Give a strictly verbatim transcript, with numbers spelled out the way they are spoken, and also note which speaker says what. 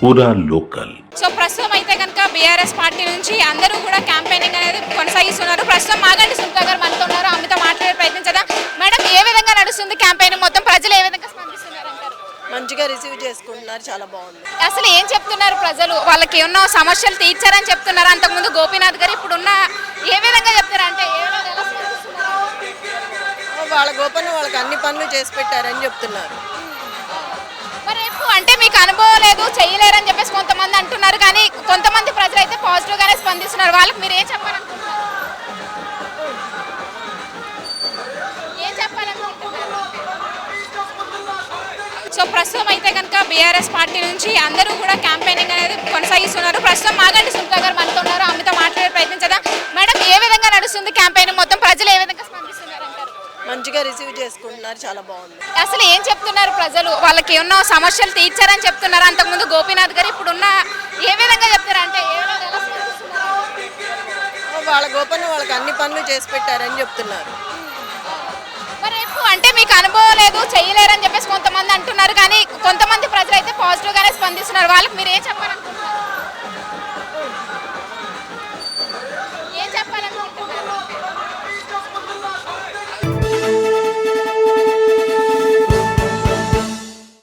Speaker 1: పూరా local.
Speaker 2: So ప్రస్తుతం అయితే కనుక బీఆర్ఎస్ పార్టీ నుంచి అందరూ కూడా క్యాంపెయినింగ్ అనేది కొనసాగిస్తున్నారు. ప్రస్తుతం మాగంటి సునీత గారు మనతో ఉన్నారు. ఆమెతో మాట్లాడే ప్రయత్నించదా. మేడం, ఏ విధంగా నడుస్తుంది క్యాంపెయిన్? మొత్తం ప్రజలు ఏ విధంగా స్పందిస్తున్నారు అంటారు?
Speaker 3: మంచిగా రిసీవ్ చేసుకుంటున్నారు, చాలా బాగుంది.
Speaker 2: అసలు ఏం చెప్తున్నారు ప్రజలు? వాళ్ళకి ఏమన్నా సమస్యలు తీర్చారని చెప్తున్నారు. అంతకుముందు గోపీనాథ్ గారు ఇప్పుడున్న ఏ విధంగా చెప్తారు అంటే ఏ విధంగా ఎలా స్పందిస్తున్నారు?
Speaker 3: వాళ్ళ గోపన్న వాళ్ళకి అన్ని పనులు చేసి పెట్టారని చెప్తున్నారు.
Speaker 2: మరి రేపు అంటే మీకు అనుభవం లేదు, చేయలేరని చెప్పేసి కొంతమంది అంటున్నారు. కానీ కొంతమంది ప్రజలు అయితే పాజిటివ్ గానే స్పందిస్తున్నారు. వాళ్ళకి మీరు ఏం చెప్పాలనుకుంటున్నారు? ఏం చెప్పాలనుకుంటున్నారు? సో ప్రస్తుతం అయితే కనుక బీఆర్ఎస్ పార్టీ నుంచి అందరూ కూడా క్యాంపెయినింగ్ అనేది కొనసాగిస్తున్నారు. ప్రస్తుతం మాగంటి సునీత గారు మనతో ఉన్నారు. ఆమెతో మాట్లాడే ప్రయత్నించదా. మేడం, ఏ విధంగా నడుస్తుంది క్యాంపెయిన్? మొత్తం ప్రజలు ఏ విధంగా స్పందిస్తున్నారు అంటారు?
Speaker 3: మంచిగా రిసీవ్ చేసుకుంటున్నారు, చాలా బాగుంది.
Speaker 2: అసలు ఏం చెప్తున్నారు ప్రజలు? వాళ్ళకి ఏమన్నా సమస్యలు తీర్చారని చెప్తున్నారు. అంతకుముందు గోపీనాథ్ గారు ఇప్పుడున్న ఏ విధంగా చెప్తారు అంటే ఏ విధంగా ఎలా స్పందిస్తున్నారు?
Speaker 3: వాళ్ళ గోపన్న వాళ్ళకి అన్ని పనులు చేసి పెట్టారని చెప్తున్నారు.
Speaker 2: మరి రేపు అంటే మీకు అనుభవం లేదు, చేయలేరని చెప్పేసి కొంతమంది అంటున్నారు. కానీ కొంతమంది ప్రజలు అయితే పాజిటివ్ గానే స్పందిస్తున్నారు. వాళ్ళకి మీరు ఏం చెప్పాలి?